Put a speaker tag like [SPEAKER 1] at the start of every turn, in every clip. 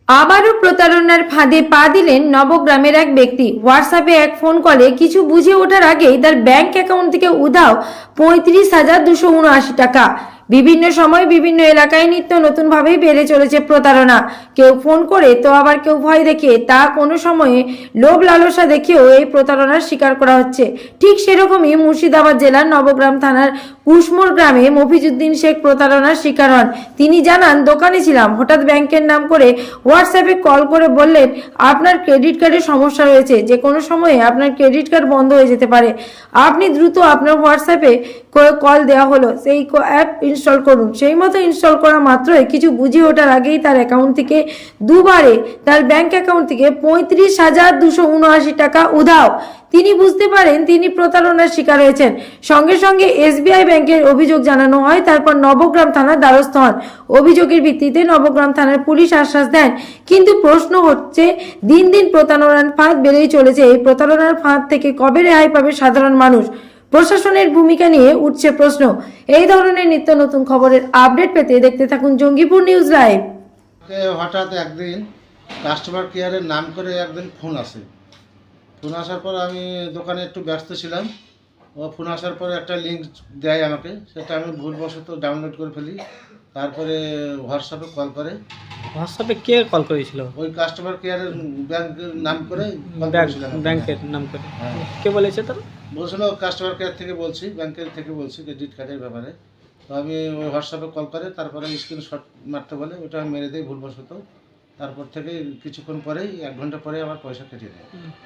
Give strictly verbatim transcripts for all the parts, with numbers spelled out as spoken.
[SPEAKER 1] আবারও প্রতারণার ফাঁদে পা দিলেন নবগ্রামের এক ব্যক্তি। হোয়াটসঅ্যাপে এক ফোন কলে কিছু বুঝে ওঠার আগেই তার ব্যাংক অ্যাকাউন্ট থেকে উধাও পঁয়ত্রিশ হাজার দুশো উনআশি টাকা। বিভিন্ন সময় বিভিন্ন এলাকায় নিত্য নতুন ভাবেই বেড়ে চলেছে প্রতারণা। কেউ ফোন করে তো আবার কেউ ভয় দেখে, তা কোনো সময়ে লোভ লালসা দেখেও এই প্রতারণার শিকার করা হচ্ছে। ঠিক সেরকমই মুর্শিদাবাদ জেলার নবগ্রাম থানার কুশমোর গ্রামে মফিজউদ্দিন শেখ প্রতারণার শিকার হন। তিনি জানান, দোকানে ছিলাম, হঠাৎ ব্যাংকের নাম করে হোয়াটসঅ্যাপে কল করে বললেন আপনার ক্রেডিট কার্ডের সমস্যা রয়েছে, যে কোনো সময়ে আপনার ক্রেডিট কার্ড বন্ধ হয়ে যেতে পারে। আপনি দ্রুত আপনার হোয়াটসঅ্যাপে কল দেওয়া হলো, সেই অ্যাপ ইনস্টল করুন। সেই মতো ইনস্টল করা মাত্রই কিছু বুঝে ওঠার আগেই তার অ্যাকাউন্ট থেকে দুবারে তার ব্যাংক অ্যাকাউন্ট থেকে পঁয়ত্রিশ হাজার দুশো উনআশি টাকা উধাও। তিনি বুঝতে পারেন তিনি প্রতারণার শিকার হয়েছেন। সঙ্গে সঙ্গে এসবিআই ব্যাংকের অভিযোগ জানানো হয়। তারপর নবগ্রাম থানার দ্বারস্থ হন। অভিযোগের ভিত্তিতে নবগ্রাম থানার পুলিশ আশ্বাস দেন। কিন্তু প্রশ্ন হচ্ছে, দিন দিন প্রতারণার ফাঁদ বেড়েই চলেছে। এই প্রতারণার ফাঁদ থেকে কবে রেহাই পাবে সাধারণ মানুষ? প্রশাসনের ভূমিকা নিয়ে উঠছে প্রশ্ন। এই ধরনের নিত্য নতুন খবরের আপডেট পেতে দেখতে থাকুন জঙ্গিপুর নিউজ লাইভ।
[SPEAKER 2] হঠাৎ একদিন কাস্টমার কেয়ারের নাম করে একদিন ফোন আসে। ফোন আসার পর আমি দোকানে একটু ব্যস্ত ছিলাম। ও ফোন আসার পরে একটা লিঙ্ক দেয় আমাকে, সেটা আমি ভুলবশত ডাউনলোড করে ফেলি। তারপরে হোয়াটসঅ্যাপে কল করে।
[SPEAKER 3] হোয়াটসঅ্যাপে কে কল করেছিল?
[SPEAKER 2] ওই কাস্টমার কেয়ারের ব্যাংকের নাম করে কল
[SPEAKER 3] ব্যাংক
[SPEAKER 2] করেছিলাম।
[SPEAKER 3] ব্যাংকের নাম করে
[SPEAKER 2] হ্যাঁ।
[SPEAKER 3] কে বলেছে তার?
[SPEAKER 2] বলছিল কাস্টমার কেয়ার থেকে বলছি, ব্যাংকের থেকে বলছি ক্রেডিট কার্ডের ব্যাপারে। তো আমি ওই হোয়াটসঅ্যাপে কল করে, তারপরে স্ক্রিনশট মারতে বলে, ওটা আমি মেরে দিই ভুলবশত। তারপর থেকে কিছুক্ষণ পরেই, এক ঘন্টা পরে আমার পয়সা কেটে দেয়।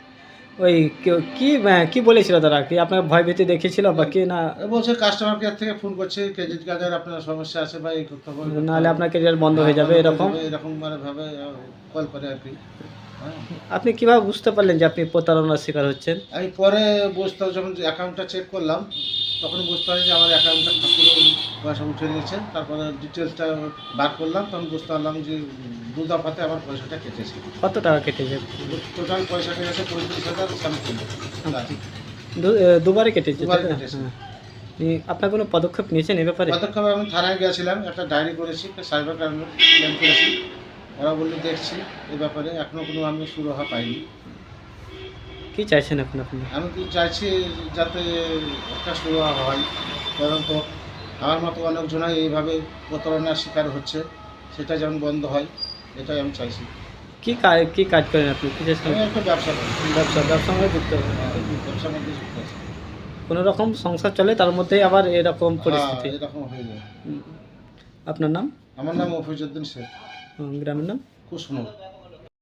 [SPEAKER 3] ওই কেউ- কি আহ, কি বলেছিল তারা? কি আপনার ভয় ভীতি দেখেছিল বা কি না?
[SPEAKER 2] এ বলছে কাস্টমার কেয়ার থেকে ফোন করছে, ক্রেডিট কার্ডের আপনার সমস্যা আছে বা এই করতে হবে,
[SPEAKER 3] নাহলে আপনার ক্যারিয়ার বন্ধ হয়ে যাবে এরকম?
[SPEAKER 2] এরকম মানে ভাবে কল করে আর কি। হ্যাঁ।
[SPEAKER 3] আপনি কিভাবে বুঝতে পারলেন যে আপনি প্রতারণার শিকার হচ্ছেন?
[SPEAKER 2] আমি পরে বুঝতে, যখন অ্যাকাউন্টটা চেক করলাম তখন বুঝতে পারি যে আমার অ্যাকাউন্টটা ঠাকুর পয়সা উঠে নিয়েছে। তারপরে ডিটেলসটা বার করলাম, তখন বুঝতে পারলাম যে দু দফাতে আমার পয়সাটা কেটেছে।
[SPEAKER 3] কত টাকা কেটেছে?
[SPEAKER 2] টোটাল পয়সা কেটেছে পঁয়ত্রিশ হাজার সামথিং।
[SPEAKER 3] দু- আহ, দুবারে কেটেছে?
[SPEAKER 2] দুবার
[SPEAKER 3] তাই না?
[SPEAKER 2] কেটেছে।
[SPEAKER 3] হ্যাঁ। এই আপনার কোনো পদক্ষেপ নিয়েছেন এ ব্যাপারে?
[SPEAKER 2] পদক্ষেপে আমি থানায় গিয়েছিলাম, একটা ডায়েরি করেছি, একটা সাইবার ক্রাইমে ক্লেম করেছি। ওরা বললো দেখছি এই ব্যাপারে, এখনও কোনো আমি সুরাহা পাইনি।
[SPEAKER 3] কি চাইছেন এখন আপনি?
[SPEAKER 2] আমি কি চাইছি যাতে একটা সুরাহা হয়, কারণ তো আমার মতো অনেকজনাই এইভাবে প্রতারণার শিকার হচ্ছে, সেটা যেমন বন্ধ হয়, এটাই আমি চাইছি।
[SPEAKER 3] কি কাজ কি কাজ করেন আপনি? কি চাষ
[SPEAKER 2] আমি
[SPEAKER 3] করেন?
[SPEAKER 2] একটা ব্যবসা করি,
[SPEAKER 3] ব্যবসা ব্যবসার মধ্যে যুক্ত আছেন?
[SPEAKER 2] ব্যবসার মধ্যে যুক্ত আছি।
[SPEAKER 3] কোনো রকম সংসার চলে, তার মধ্যেই আবার এরকম পরিস্থিতি।
[SPEAKER 2] হ্যাঁ, এরকম হয়ে যায়।
[SPEAKER 3] হুম। আপনার নাম?
[SPEAKER 2] আমার নাম মফিজউদ্দিন শেখ,
[SPEAKER 3] হুম, গ্রামের নাম?
[SPEAKER 2] কুসমুর।